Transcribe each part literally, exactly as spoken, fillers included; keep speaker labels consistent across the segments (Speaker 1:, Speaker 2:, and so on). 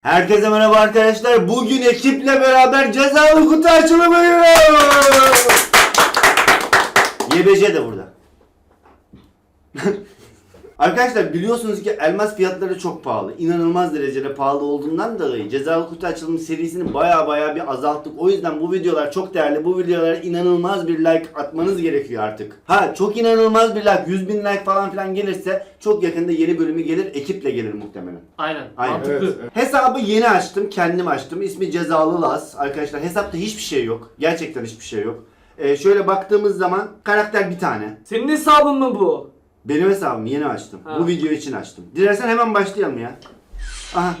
Speaker 1: Herkese merhaba arkadaşlar. Bugün ekiple beraber cezalı kutu açılımı yapıyoruz. Y B C de burada. Arkadaşlar biliyorsunuz ki elmas fiyatları çok pahalı. İnanılmaz derecede pahalı olduğundan dolayı cezalı kutu açılımı serisini baya baya bir azalttık. O yüzden bu videolar çok değerli. Bu videolara inanılmaz bir like atmanız gerekiyor artık. Ha çok inanılmaz bir like, yüz bin like falan filan gelirse çok yakında yeni bölümü gelir. Ekiple gelir muhtemelen.
Speaker 2: Aynen.
Speaker 1: Aynen.
Speaker 2: Mantıklı.
Speaker 3: Evet, evet.
Speaker 1: Hesabı yeni açtım, kendim açtım. İsmi Cezalı Laz. Arkadaşlar hesapta hiçbir şey yok. Gerçekten hiçbir şey yok. Ee, şöyle baktığımız zaman karakter bir tane.
Speaker 4: Senin hesabın mı bu?
Speaker 1: Benim hesabımı yeni açtım.
Speaker 4: Ha.
Speaker 1: Bu video için açtım. Dilersen hemen başlayalım ya. Aha.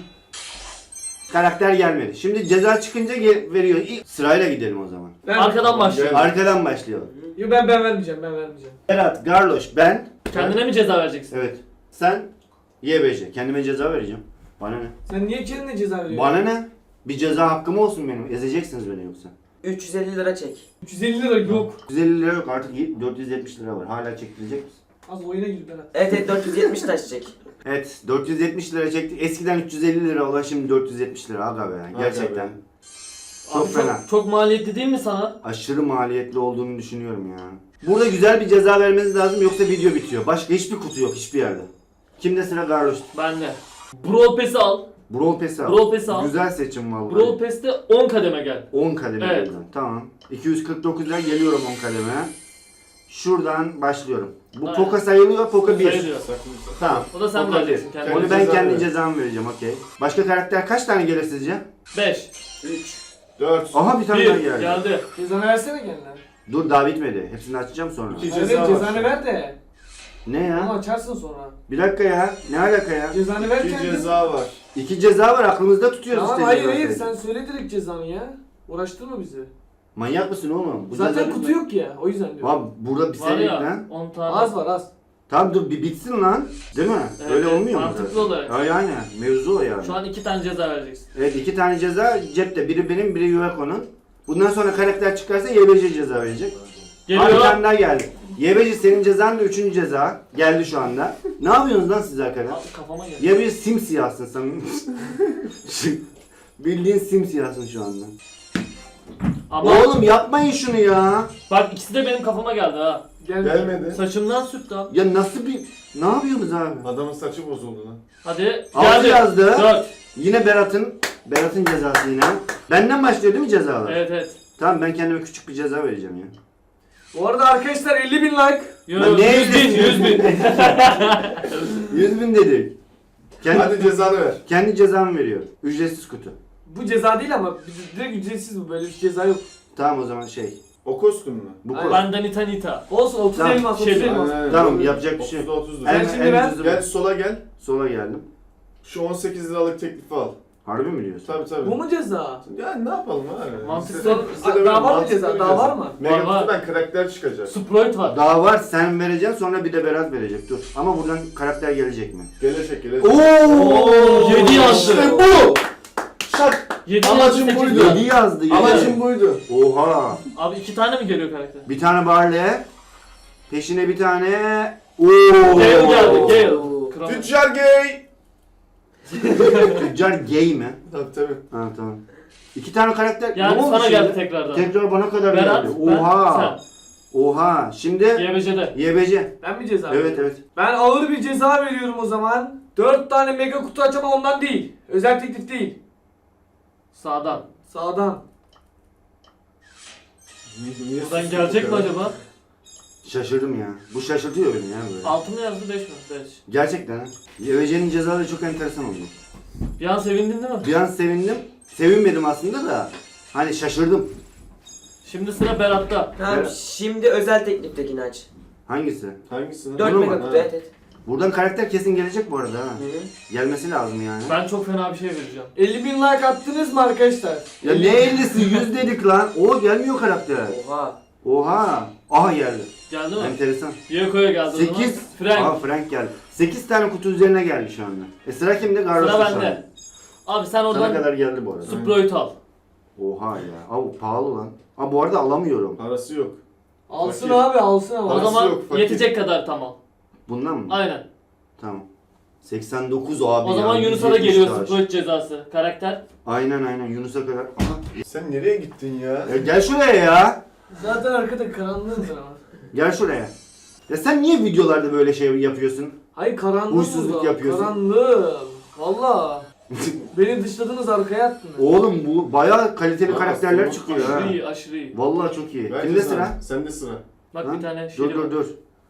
Speaker 1: Karakter gelmedi. Şimdi ceza çıkınca ge- veriyor. İlk sırayla gidelim o zaman.
Speaker 4: Ben
Speaker 2: Arkadan başlayalım.
Speaker 1: Arkadan başlayalım.
Speaker 4: Yo, ben ben vermeyeceğim, ben vermeyeceğim.
Speaker 1: Berat, Garloş, ben.
Speaker 2: Kendine mi ceza vereceksin?
Speaker 1: Evet. Sen Y B C. Kendime ceza vereceğim. Bana ne?
Speaker 4: Sen niye kendine ceza veriyorsun?
Speaker 1: Bana ne? Bir ceza hakkım olsun benim. Ezeceksiniz beni yoksa.
Speaker 5: üç yüz elli lira çek.
Speaker 4: üç yüz elli lira yok.
Speaker 1: üç yüz elli lira yok artık dört yüz yetmiş lira var. Hala çektirecek misin?
Speaker 4: Az oyuna gir Berat.
Speaker 5: Evet evet dört yüz yetmiş taş çek.
Speaker 1: Evet dört yüz yetmiş lira çektik. Eskiden üç yüz elli lira olan şimdi dört yüz yetmiş lira aga be. Gerçekten.
Speaker 3: be.
Speaker 1: Çok
Speaker 2: Abi
Speaker 1: fena.
Speaker 2: Çok, çok maliyetli değil mi sana?
Speaker 1: Aşırı maliyetli olduğunu düşünüyorum ya. Burada güzel bir ceza vermeniz lazım yoksa video bitiyor. Başka hiçbir kutu yok hiçbir yerde. Kimde sıra Garloş?
Speaker 2: Ben de. Brawl Pass'i al.
Speaker 1: Brawl Pass'i al.
Speaker 2: Brawl Pass'i al.
Speaker 1: Güzel seçim vallahi.
Speaker 2: Brawl Pass'te on kademe gel.
Speaker 1: on kademe
Speaker 2: Evet.
Speaker 1: geldim. Tamam. iki yüz kırk dokuz lira geliyorum on kademe. Şuradan başlıyorum. Bu
Speaker 2: Aynen.
Speaker 1: poka sayılıyor, poka bir.
Speaker 2: Sayılıyor.
Speaker 1: Tamam.
Speaker 2: O da sen
Speaker 1: Poka
Speaker 2: vereceksin
Speaker 1: bir.
Speaker 2: kendine.
Speaker 1: Onu ben
Speaker 3: Ceza
Speaker 1: kendi
Speaker 3: ver.
Speaker 1: cezamı vereceğim okey. Başka karakter kaç tane gelir sizce?
Speaker 2: beş.
Speaker 5: üç.
Speaker 3: dört.
Speaker 1: Aha bir tane daha
Speaker 2: bir.
Speaker 1: geldi.
Speaker 2: Geldi.
Speaker 4: Cezanı versene kendine.
Speaker 1: Dur daha bitmedi. Hepsini açacağım sonra.
Speaker 3: İki
Speaker 4: Evet,
Speaker 3: ceza var.
Speaker 4: cezanı ver de.
Speaker 1: Ne
Speaker 4: Onu
Speaker 1: ya?
Speaker 4: açarsın sonra.
Speaker 1: Bir dakika ya. Ne alaka ya?
Speaker 4: Cezanı ver
Speaker 3: İki
Speaker 4: kendine.
Speaker 3: ceza var.
Speaker 1: İki ceza var aklımızda tutuyoruz
Speaker 4: Tamam
Speaker 1: işte.
Speaker 4: hayır
Speaker 1: cezayı.
Speaker 4: hayır sen söyle direkt cezanı ya. Uğraştırma bizi.
Speaker 1: Manyak mısın oğlum? Bu
Speaker 4: Zaten
Speaker 1: ceza-
Speaker 4: kutu yok ya o yüzden diyorum.
Speaker 1: Abi burada bir
Speaker 2: Var
Speaker 1: senelik
Speaker 2: ya
Speaker 1: lan.
Speaker 2: on tane.
Speaker 4: Az var az.
Speaker 1: Tamam dur bir bitsin lan. Değil mi?
Speaker 2: Evet,
Speaker 1: Öyle
Speaker 2: evet,
Speaker 1: olmuyor mu?
Speaker 2: mantıklı
Speaker 1: zaten?
Speaker 2: olarak.
Speaker 1: Ay aynen. Mevzu o yani.
Speaker 2: Şu an iki tane ceza vereceksin.
Speaker 1: Evet iki tane ceza cepte. Biri benim biri Yueko'nun. Bundan sonra karakter çıkarsa Y B C ceza verecek.
Speaker 2: Geliyor.
Speaker 1: Abi bir tane daha geldi. Y B C senin cezan da üçüncü ceza. Geldi şu anda. Ne yapıyorsunuz lan siz arkadaşlar?
Speaker 2: Abi kafama geldi.
Speaker 1: Ya bir simsiyahsın sen. Bildiğin simsiyahsın şu anda.
Speaker 2: Ama
Speaker 1: Oğlum yapmayın şunu ya.
Speaker 2: bak ikisi de benim kafama geldi ha.
Speaker 4: Gel.
Speaker 3: Gelmedi.
Speaker 2: Saçımdan sürttü abi.
Speaker 1: Ya nasıl bir... Ne yapıyorsunuz abi?
Speaker 3: Adamın saçı bozuldu lan.
Speaker 2: Hadi.
Speaker 1: Altı
Speaker 2: Geldi.
Speaker 1: yazdı.
Speaker 2: dört.
Speaker 1: Yine Berat'ın Berat'ın cezası yine. Benden başlıyor değil mi cezalar?
Speaker 2: Evet evet.
Speaker 1: Tamam ben kendime küçük bir ceza vereceğim ya.
Speaker 4: Bu arada arkadaşlar elli bin like.
Speaker 2: Yo,
Speaker 1: Lan ne
Speaker 2: yüz bin,
Speaker 1: elli?
Speaker 2: yüz bin.
Speaker 1: yüz bin dedik. Kendi,
Speaker 3: Hadi cezanı ver.
Speaker 1: kendi cezamı veriyor. Ücretsiz kutu.
Speaker 4: Bu ceza değil ama direkt ücretsiz bu, böyle bir ceza yok.
Speaker 1: Tamam o zaman şey.
Speaker 3: O kostüm mü?
Speaker 1: Bu
Speaker 4: Aynen.
Speaker 1: kutu.
Speaker 2: Benden ita nita.
Speaker 4: Olsun otuz
Speaker 1: Tamam,
Speaker 4: elmas otuz
Speaker 2: şey-
Speaker 4: elmas.
Speaker 3: Aynen,
Speaker 1: Tamam,
Speaker 3: aynen.
Speaker 1: yapacak bir şey yok.
Speaker 3: otuzda otuz lira.
Speaker 1: En,
Speaker 4: Sen şimdi
Speaker 1: en
Speaker 4: ver.
Speaker 1: ucuzu
Speaker 3: Gel
Speaker 1: bu.
Speaker 3: sola gel.
Speaker 1: Sola geldim.
Speaker 3: Şu on sekiz liralık teklifi al.
Speaker 1: Harbi mi diyorsun?
Speaker 3: Tabii tabii.
Speaker 4: Bu mu ceza?
Speaker 3: Ya ne yapalım abi?
Speaker 2: Mantıklı.
Speaker 3: Size- size de
Speaker 4: Daha
Speaker 3: böyle
Speaker 4: var mı
Speaker 3: mantıklı
Speaker 4: ceza?
Speaker 3: bir
Speaker 4: Daha var mı?
Speaker 2: Var, var.
Speaker 3: Megakutu'dan karakter çıkacak.
Speaker 2: Sprite var.
Speaker 1: Daha var sen vereceksin sonra bir de Berat verecek dur. Ama buradan karakter gelecek mi?
Speaker 3: Gelecek gelecek.
Speaker 1: Oo!
Speaker 2: yedi yazdı.
Speaker 1: İşte bu!
Speaker 3: Şak!
Speaker 2: Yedi
Speaker 3: Amacım
Speaker 2: yazdı, sekiz
Speaker 3: buydu.
Speaker 2: yazdı.
Speaker 1: yedi yazdı yedi.
Speaker 3: Amacım buydu.
Speaker 1: Oha!
Speaker 2: Abi iki tane mi geliyor karakter?
Speaker 1: Bir tane Barley. Peşine bir tane... Oo!
Speaker 2: Gale geldi, Gale. Kral.
Speaker 3: Tüccar gay!
Speaker 1: Tüccar gay mi?
Speaker 3: Tabii tabii.
Speaker 1: Ha tamam. İki tane karakter...
Speaker 2: Yani
Speaker 1: ne oldu
Speaker 2: sana
Speaker 1: şimdi?
Speaker 2: geldi tekrardan.
Speaker 1: Tekrar bana kadar
Speaker 2: Berat,
Speaker 1: geldi.
Speaker 2: ben,
Speaker 1: Oha! Oha! Şimdi
Speaker 2: Y B C'de.
Speaker 1: Y B C.
Speaker 4: Ben mi ceza
Speaker 1: Evet
Speaker 4: veriyorum?
Speaker 1: evet.
Speaker 4: Ben ağır bir ceza veriyorum o zaman. dört tane mega kutu aç ama ondan değil. Özel teklif değil.
Speaker 2: Sağdan.
Speaker 4: Sağdan.
Speaker 3: Niye
Speaker 2: Buradan
Speaker 3: sustuk
Speaker 2: gelecek
Speaker 3: bu
Speaker 2: mi
Speaker 3: kadar?
Speaker 2: acaba?
Speaker 1: Şaşırdım ya. Bu şaşırtıyor beni ya böyle.
Speaker 2: Altı mı yazdı beş mi? beş.
Speaker 1: Gerçekten ha. Y B C'nin cezaları çok enteresan oldu.
Speaker 2: Bir an sevindin değil mi?
Speaker 1: Bir an sevindim. Sevinmedim aslında da. Hani şaşırdım.
Speaker 2: Şimdi sıra Berat'ta.
Speaker 5: Tamam
Speaker 1: Evet.
Speaker 5: şimdi özel tekliftekini aç.
Speaker 1: Hangisi?
Speaker 3: Hangisini?
Speaker 5: dört
Speaker 1: Bunu mu?
Speaker 5: mega kutu
Speaker 3: Ha.
Speaker 5: evet evet.
Speaker 1: Buradan karakter kesin gelecek bu arada ha.
Speaker 5: Hı hı.
Speaker 1: Gelmesi lazım yani.
Speaker 2: Ben çok fena bir şey vereceğim.
Speaker 4: elli bin like attınız mı arkadaşlar?
Speaker 1: Ya ne ellisi yüz dedik lan. O gelmiyor karakter.
Speaker 5: Oha.
Speaker 1: Oha. Aha geldi.
Speaker 2: Geldi mi?
Speaker 1: Enteresan.
Speaker 2: Yoko'ya geldi o zaman.
Speaker 1: sekiz.
Speaker 2: Frank.
Speaker 1: Aha Frank geldi. sekiz tane kutu üzerine geldi şu anda. E sıra kimde? Garloş'ta
Speaker 2: Sıra
Speaker 1: şu anda.
Speaker 2: bende. Abi sen
Speaker 1: Sana
Speaker 2: oradan
Speaker 1: kadar geldi bu arada.
Speaker 2: Sprite al.
Speaker 1: Oha ya. Abi pahalı lan. Abi bu arada alamıyorum.
Speaker 3: Parası yok.
Speaker 4: Alsın
Speaker 3: Fakir.
Speaker 4: abi alsın ama.
Speaker 2: O
Speaker 3: Parası
Speaker 2: zaman
Speaker 3: yok, fakir.
Speaker 2: yetecek kadar tamam.
Speaker 1: Bundan mı?
Speaker 2: Aynen.
Speaker 1: Tamam. seksen dokuz abi
Speaker 2: O
Speaker 1: ya,
Speaker 2: zaman Yunus'a da
Speaker 1: yüz yetmiş
Speaker 2: geliyorsun
Speaker 1: taş.
Speaker 2: kılıç cezası. Karakter.
Speaker 1: Aynen aynen Yunus'a kadar. Aha.
Speaker 3: Sen nereye gittin ya?
Speaker 1: Ya gel şuraya ya.
Speaker 4: Zaten arkada karanlığım ben ama.
Speaker 1: Gel şuraya. Ya sen niye videolarda böyle şey yapıyorsun?
Speaker 4: Hayır karanlığım
Speaker 1: Huysuzluk
Speaker 4: burada.
Speaker 1: yapıyorsun.
Speaker 4: Karanlığım. Valla. Beni dışladınız arkaya attınız.
Speaker 1: Oğlum bu bayağı kaliteli
Speaker 3: Aa,
Speaker 1: karakterler
Speaker 3: tamam.
Speaker 1: çıkıyor ha.
Speaker 2: Aşırı iyi, aşırı iyi.
Speaker 1: Vallahi çok iyi.
Speaker 3: Ver
Speaker 1: Kimde
Speaker 3: cezanı.
Speaker 1: sıra?
Speaker 3: Sende sıra.
Speaker 2: Bak
Speaker 1: Ha?
Speaker 2: bir tane şey
Speaker 1: Dur dur dur.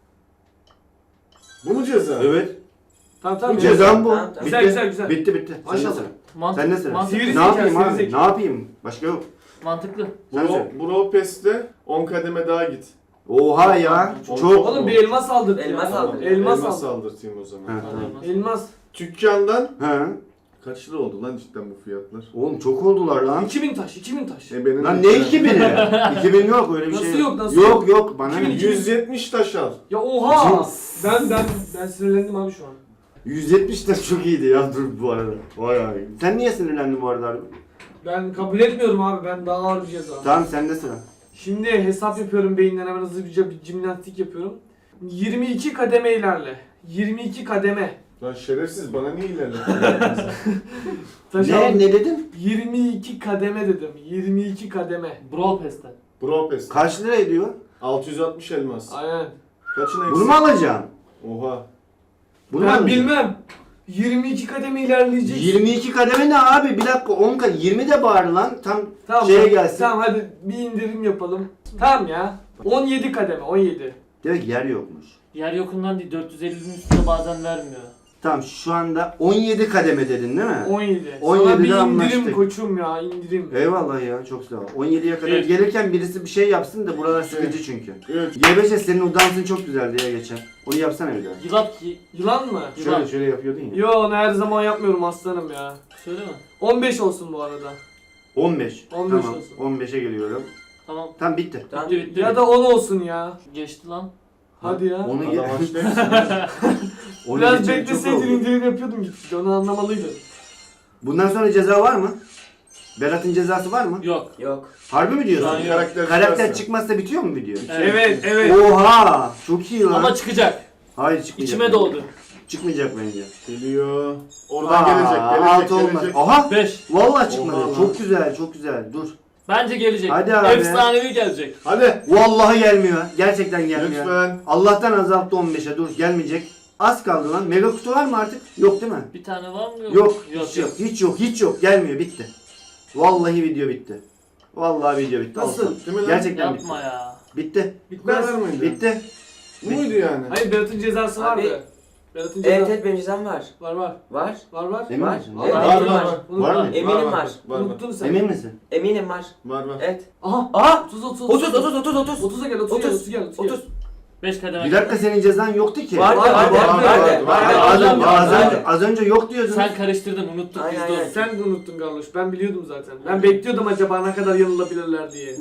Speaker 3: Bu mu ceza?
Speaker 1: Evet.
Speaker 4: Tamam tamam.
Speaker 1: Cezam bu.
Speaker 5: Tamam, tamam.
Speaker 1: Bitti.
Speaker 4: Güzel, güzel, güzel.
Speaker 1: Bitti bitti. Sende
Speaker 4: Maşallah.
Speaker 1: sıra.
Speaker 2: Mantık,
Speaker 1: Sende sıra.
Speaker 2: mantıklı.
Speaker 4: Sivri
Speaker 1: Ne yapayım
Speaker 4: zeka,
Speaker 1: abi?
Speaker 4: sivri zeka.
Speaker 1: Ne yapayım? Başka yok.
Speaker 2: Mantıklı.
Speaker 1: Sen
Speaker 3: Bro,
Speaker 1: söyle.
Speaker 3: Bro Pest'te on kademe daha git.
Speaker 1: Oha ya.
Speaker 3: Çok-
Speaker 1: Çok.
Speaker 4: Oğlum bir elmas aldırt ya.
Speaker 5: Elmas aldır.
Speaker 4: Elmas
Speaker 3: Elmas
Speaker 4: aldır.
Speaker 3: aldırtayım o zaman.
Speaker 1: Ha, tamam.
Speaker 4: Elmas.
Speaker 3: Dükkandan
Speaker 1: He.
Speaker 3: kaç lira oldu lan cidden bu fiyatlar?
Speaker 1: Oğlum çok oldular lan.
Speaker 4: iki bin taş, iki bin taş.
Speaker 3: E benim
Speaker 1: Lan ne iki bini? iki bin yok öyle bir
Speaker 4: Nasıl
Speaker 1: şey.
Speaker 4: yok, nasıl
Speaker 1: yok?
Speaker 4: yok?
Speaker 1: Yok bana ne?
Speaker 3: yüz yetmiş taş al.
Speaker 4: Ya oha! Ben ben ben sinirlendim abi şu an.
Speaker 1: yüz yetmiş de çok iyiydi ya dur bu arada. Vay abi. Sen niye sinirlendin bu arada abi?
Speaker 4: Ben kabul etmiyorum abi. Ben daha ağır bir ceza.
Speaker 1: Tamam sende sıra.
Speaker 4: Şimdi hesap yapıyorum beyinden hemen hızlıca bir jimnastik yapıyorum. yirmi iki kademe ilerle. yirmi iki kademe.
Speaker 3: Lan şerefsiz bana niye ilerledin?
Speaker 4: Taş
Speaker 1: Ne
Speaker 4: al.
Speaker 1: ne dedin?
Speaker 4: yirmi iki kademe dedim. yirmi iki kademe.
Speaker 2: Brawl Pass'te.
Speaker 3: Bro Pest.
Speaker 1: Kaç lira ediyor?
Speaker 3: altı yüz altmış elmas.
Speaker 4: Aynen.
Speaker 3: Kaçın eksik?
Speaker 1: Bunu mu alacağım?
Speaker 3: Oha.
Speaker 1: Bunu mu
Speaker 4: Ben
Speaker 1: alacağım?
Speaker 4: bilmem. yirmi iki kademe ilerleyecek.
Speaker 1: yirmi iki kademe ne abi? Bir dakika on kademe. yirmi de bari lan. Tam
Speaker 4: Tamam,
Speaker 1: şeye
Speaker 4: hadi-
Speaker 1: gelsin.
Speaker 4: Tamam hadi bir indirim yapalım. Tamam ya. on yedi kademe, on yedi.
Speaker 1: Direkt yer yokmuş.
Speaker 2: Yer yokundan değil dört yüz ellinin üstünde bazen vermiyor.
Speaker 1: Tamam şu anda on yedi kademe dedin değil mi?
Speaker 4: on yedi.
Speaker 1: on
Speaker 4: Sana
Speaker 1: yedide
Speaker 4: bir indirim
Speaker 1: anlaştık.
Speaker 4: koçum ya, indirim.
Speaker 1: Eyvallah ya çok sağ ol. on yediye kadar
Speaker 2: Evet.
Speaker 1: gelirken birisi bir şey yapsın da buralar sıkıcı çünkü.
Speaker 3: Evet.
Speaker 1: Y beşe senin o dansın çok güzeldi ya geçen. Onu yapsana bir daha.
Speaker 2: Yılap ki...
Speaker 4: Yılan mı?
Speaker 2: Yılan.
Speaker 1: Şöyle şöyle yapıyordun ya.
Speaker 4: Yo onu her zaman yapmıyorum aslanım ya.
Speaker 2: Söyle mi?
Speaker 4: on beş olsun bu arada.
Speaker 1: on beş.
Speaker 4: on beş
Speaker 1: tamam.
Speaker 4: olsun.
Speaker 1: on beşe geliyorum.
Speaker 2: Tamam.
Speaker 1: Tamam bitti.
Speaker 5: Tamam.
Speaker 2: Bitti bitti.
Speaker 4: Ya da on olsun ya.
Speaker 2: Geçti lan.
Speaker 4: Hadi ya.
Speaker 1: Onu
Speaker 3: Adam
Speaker 1: ge-
Speaker 3: açtı.
Speaker 1: onu
Speaker 4: Biraz
Speaker 1: geçen çok
Speaker 4: bekleseydin
Speaker 1: oldu.
Speaker 4: indirim yapıyordum gittik. Onu anlamalıydın.
Speaker 1: Bundan sonra ceza var mı? Berat'ın cezası var mı?
Speaker 2: Yok.
Speaker 5: Yok.
Speaker 1: Harbi mi diyorsun?
Speaker 2: Şu an yok.
Speaker 3: Karakter,
Speaker 1: Karakter
Speaker 3: çıkarsa.
Speaker 1: çıkmazsa bitiyor mu video?
Speaker 4: Evet, evet.
Speaker 1: Oha! Çok iyi lan.
Speaker 2: Ama çıkacak.
Speaker 1: Hayır çıkmayacak.
Speaker 2: İçime
Speaker 1: bence.
Speaker 2: doğdu.
Speaker 1: Çıkmayacak bence.
Speaker 3: Geliyor. Oradan
Speaker 1: Aa,
Speaker 3: gelecek, gelecek,
Speaker 1: altı olmaz.
Speaker 3: gelecek.
Speaker 1: Aha!
Speaker 2: beş.
Speaker 1: Vallahi çıkmadı.
Speaker 3: Oha lan.
Speaker 1: Çok güzel, çok güzel. Dur.
Speaker 2: Bence gelecek.
Speaker 1: Hadi abi.
Speaker 2: Efsanevi gelecek.
Speaker 3: Hadi.
Speaker 1: Vallahi gelmiyor. Gerçekten gelmiyor.
Speaker 3: Lütfen.
Speaker 1: Allah'tan azalttı on beşe. Dur gelmeyecek. Az kaldı lan. Mega kutu var mı artık? Yok değil mi?
Speaker 2: Bir tane var mı? Yok.
Speaker 1: Yok.
Speaker 2: Yok.
Speaker 1: hiç yok. Hiç yok. Hiç yok. Gelmiyor. Bitti. Vallahi video bitti. Vallahi video bitti.
Speaker 4: Nasıl?
Speaker 1: Olsun.
Speaker 3: Değil mi lan?
Speaker 1: Gerçekten
Speaker 2: Yapma
Speaker 1: bitti.
Speaker 2: ya.
Speaker 1: Bitti.
Speaker 3: Bitmez
Speaker 4: Bitmez.
Speaker 3: mıydı?
Speaker 1: Bitti.
Speaker 3: Bu muydu yani?
Speaker 4: Hayır Berat'ın cezası
Speaker 5: Abi-
Speaker 4: vardı. Berat'ın cezası
Speaker 5: Evet evet benim cezam var.
Speaker 4: var var.
Speaker 5: Var.
Speaker 4: Var var.
Speaker 1: Emin
Speaker 5: Var.
Speaker 1: misin?
Speaker 5: Evet,
Speaker 4: Var,
Speaker 5: eminim
Speaker 3: var,
Speaker 5: var.
Speaker 3: var.
Speaker 4: Unutma.
Speaker 1: Var mı?
Speaker 5: Eminim var.
Speaker 3: Var var.
Speaker 4: Unuttun sen.
Speaker 1: Emin misin?
Speaker 5: Eminim var.
Speaker 3: Var var.
Speaker 5: Evet.
Speaker 4: Aha.
Speaker 5: Aa!
Speaker 4: otuz otuz
Speaker 5: otuz otuz otuz otuz.
Speaker 4: otuza gel otuza gel
Speaker 5: otuz.
Speaker 4: otuza gel otuza gel.
Speaker 5: otuz.
Speaker 2: beş kademe.
Speaker 1: Bir dakika senin cezan yoktu ki.
Speaker 5: Vardı
Speaker 4: Var,
Speaker 5: vardı
Speaker 4: var,
Speaker 5: vardı.
Speaker 3: var, var.
Speaker 1: Hayır,
Speaker 2: Var,
Speaker 1: az, önce,
Speaker 2: var,
Speaker 1: az,
Speaker 2: var.
Speaker 1: önce, az önce yok diyordun.
Speaker 2: Sen karıştırdın unuttuk
Speaker 5: Aynen,
Speaker 2: biz de
Speaker 5: aynen.
Speaker 2: onu.
Speaker 4: Sen de unuttun Garloş. Ben biliyordum zaten. Ben bekliyordum acaba ne kadar yanılabilirler diye.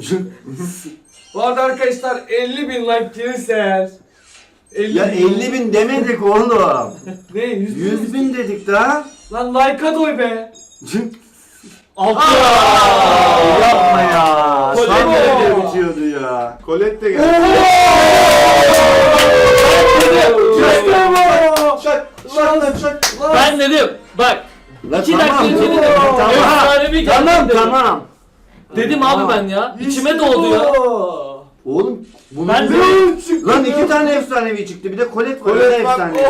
Speaker 4: Bu arada arkadaşlar elli bin like gelirse eğer. elli
Speaker 1: Ya elli bin demedik oğlum.
Speaker 4: Ne? yüz bin?
Speaker 1: yüz bin dedik daha.
Speaker 4: Lan like'a doy be.
Speaker 2: Altı.
Speaker 1: Yapma ya.
Speaker 2: Kolye
Speaker 1: Tam
Speaker 2: mi?
Speaker 1: nerede bitiyordu ya.
Speaker 3: Colette de geldi. Çak. Çak lan çak.
Speaker 2: Ben dedim. Bak.
Speaker 1: La
Speaker 2: İki
Speaker 1: tamam,
Speaker 2: dakika önce
Speaker 1: dur.
Speaker 2: dedim.
Speaker 1: Tamam.
Speaker 2: Efsanevi geldi
Speaker 1: Tamam
Speaker 2: dedim.
Speaker 1: tamam.
Speaker 2: Dedim abi ben ya. İçime
Speaker 4: İşte
Speaker 2: doğdu
Speaker 4: bu.
Speaker 2: ya.
Speaker 1: Oğlum bunun
Speaker 2: Ben de-
Speaker 1: Lan iki tane efsanevi çıktı. Bir de Colette var.
Speaker 3: Colette
Speaker 1: Colette
Speaker 3: bak.
Speaker 1: efsanevi.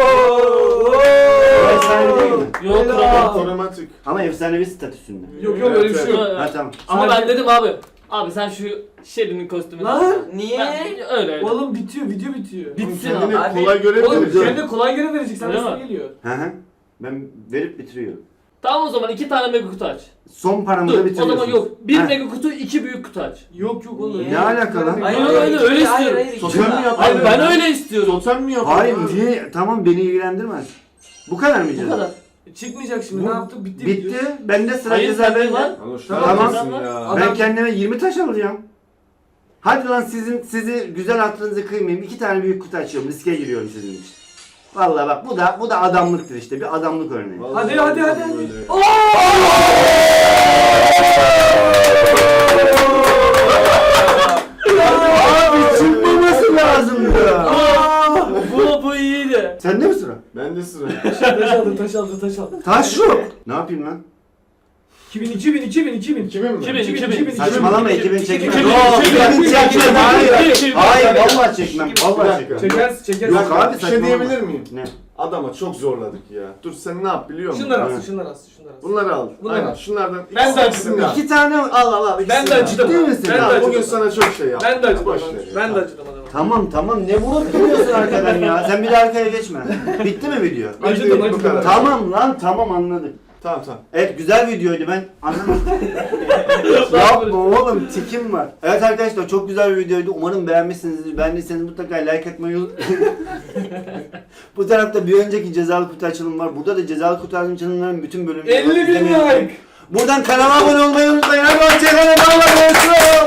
Speaker 1: O efsanevi değil mi?
Speaker 2: Yok
Speaker 4: Helal.
Speaker 2: yok.
Speaker 3: Otomatik.
Speaker 1: Ama efsanevi statüsünde.
Speaker 4: Yok yok öyle bir şey yok.
Speaker 1: Ha tamam.
Speaker 2: Ama ben dedim abi. Abi sen şu Shelly'nin kostümünü
Speaker 4: Lan.
Speaker 5: Niye?
Speaker 2: Ben, öyle öyle.
Speaker 4: Oğlum bitiyor video bitiyor.
Speaker 2: Bitsin
Speaker 3: Kendini
Speaker 2: abi.
Speaker 3: kolay
Speaker 4: Oğlum
Speaker 3: görebilir.
Speaker 4: kendine kolay göre verecek. Sen
Speaker 2: Öyle
Speaker 4: nasıl
Speaker 2: mi?
Speaker 4: geliyor?
Speaker 1: Hı hı. Ben verip bitiriyorum.
Speaker 2: Tamam o zaman iki tane mega kutu aç.
Speaker 1: Son paramı da
Speaker 2: Dur o
Speaker 1: bitiriyorsun.
Speaker 2: zaman yok. Bir
Speaker 1: Ha.
Speaker 2: mega kutu iki büyük kutu aç.
Speaker 4: Yok yok oğlum.
Speaker 5: Niye?
Speaker 1: Ne alaka lan?
Speaker 2: Hayır,
Speaker 5: Hayır,
Speaker 2: öyle,
Speaker 5: hayır,
Speaker 2: öyle
Speaker 5: hayır,
Speaker 2: istiyorum.
Speaker 5: hayır,
Speaker 3: Totem mi
Speaker 5: ikisi-
Speaker 3: yapalım?
Speaker 2: Hayır ben öyle istiyorum.
Speaker 3: Totem mi yapalım?
Speaker 1: Hayır
Speaker 3: abi?
Speaker 1: niye? Tamam beni ilgilendirmez. Bu kadar mı
Speaker 2: Bu
Speaker 1: ceza?
Speaker 2: kadar.
Speaker 4: Çıkmayacak şimdi
Speaker 1: Bu-
Speaker 4: ne yaptık? Bitti. video.
Speaker 1: Bitti. Bende sıra
Speaker 2: Hayır,
Speaker 1: ceza
Speaker 2: sende
Speaker 1: bende.
Speaker 2: var.
Speaker 3: Lan şuna
Speaker 1: Tamam.
Speaker 3: bakıyorsun ya.
Speaker 4: Adam-
Speaker 1: Ben kendime yirmi taş alacağım. Hadi lan sizin sizi güzel hatırınızı kıymayayım. İki tane büyük kutu açıyorum. Riske giriyorum sizin için. Vallahi bak bu da bu da adamlıktır işte. Bir adamlık örneği.
Speaker 3: Vallahi
Speaker 4: Hadi, hadi, hadi, hadi.
Speaker 3: böyle.
Speaker 1: Abi çıkmaması lazımdı.
Speaker 2: Bu bu iyiydi.
Speaker 1: Sende mi sıra?
Speaker 3: Bende sıra.
Speaker 4: aldı, taş aldı, taş aldı.
Speaker 1: Taş yok. Ne yapayım lan?
Speaker 4: iki bin, iki bin, iki bin, iki bin.
Speaker 3: iki bin mi?
Speaker 2: iki bin,
Speaker 4: iki bin,
Speaker 2: iki bin.
Speaker 4: iki bin.
Speaker 1: Saçmalama iki bin çekmem.
Speaker 2: iki bin,
Speaker 1: Yok,
Speaker 2: iki bin,
Speaker 1: iki bin
Speaker 2: iki bin,
Speaker 1: çekmem.
Speaker 2: iki bin,
Speaker 1: Hayır.
Speaker 2: iki bin.
Speaker 1: Hayır vallahi çekmem.
Speaker 3: Bir
Speaker 1: Vallahi
Speaker 3: dakika.
Speaker 1: çekmem.
Speaker 4: Çekersin, çekersin.
Speaker 1: Yok abi
Speaker 3: Bir şey
Speaker 1: saçmalama.
Speaker 3: diyebilir miyim?
Speaker 1: Ne?
Speaker 3: Adama çok zorladık ya. Dur sen ne yap biliyor musun?
Speaker 4: Şunları
Speaker 1: Evet.
Speaker 4: alsın, şunları alsın, şunları alsın.
Speaker 3: Bunları al.
Speaker 4: Bunları
Speaker 3: Aynen
Speaker 4: al.
Speaker 3: şunlardan
Speaker 4: Ben de
Speaker 3: ikisini
Speaker 4: acıdım
Speaker 3: al.
Speaker 1: İki tane al al al.
Speaker 4: Ben
Speaker 1: ikisini
Speaker 4: de
Speaker 1: al.
Speaker 4: acıdım.
Speaker 1: Ciddi misin?
Speaker 4: Ben de
Speaker 3: Ya,
Speaker 4: acıdım.
Speaker 3: bugün sana çok şey yaptım.
Speaker 4: Ben de acıdım.
Speaker 3: Boş
Speaker 4: adama.
Speaker 3: ver ya.
Speaker 4: Ben de acıdım adama.
Speaker 1: Tamam tamam ne vurup duruyorsun arkadan ya? Sen bir de arkaya geçme. Bitti mi video?
Speaker 4: Acıdım,
Speaker 3: Bu
Speaker 4: acıdım.
Speaker 3: kadar.
Speaker 1: Tamam lan tamam anladık.
Speaker 3: Tamam tamam.
Speaker 1: Evet güzel videoydu ben anlamadım. Yapma oğlum tikim var. Evet arkadaşlar çok güzel bir videoydu. Umarım beğenmişsinizdir. Beğendiyseniz mutlaka like atmayı unutmayın. Bu tarafta bir önceki cezalı kutu açılımı var. Burada da cezalı kutu açılımlarının bütün bölümleri var.
Speaker 4: elli bin
Speaker 1: İzlemeyi
Speaker 4: like.
Speaker 1: unutmayın. Buradan kanala abone olmayı unutmayın. Hadi hoşçakalın. Allah'a emanet olun.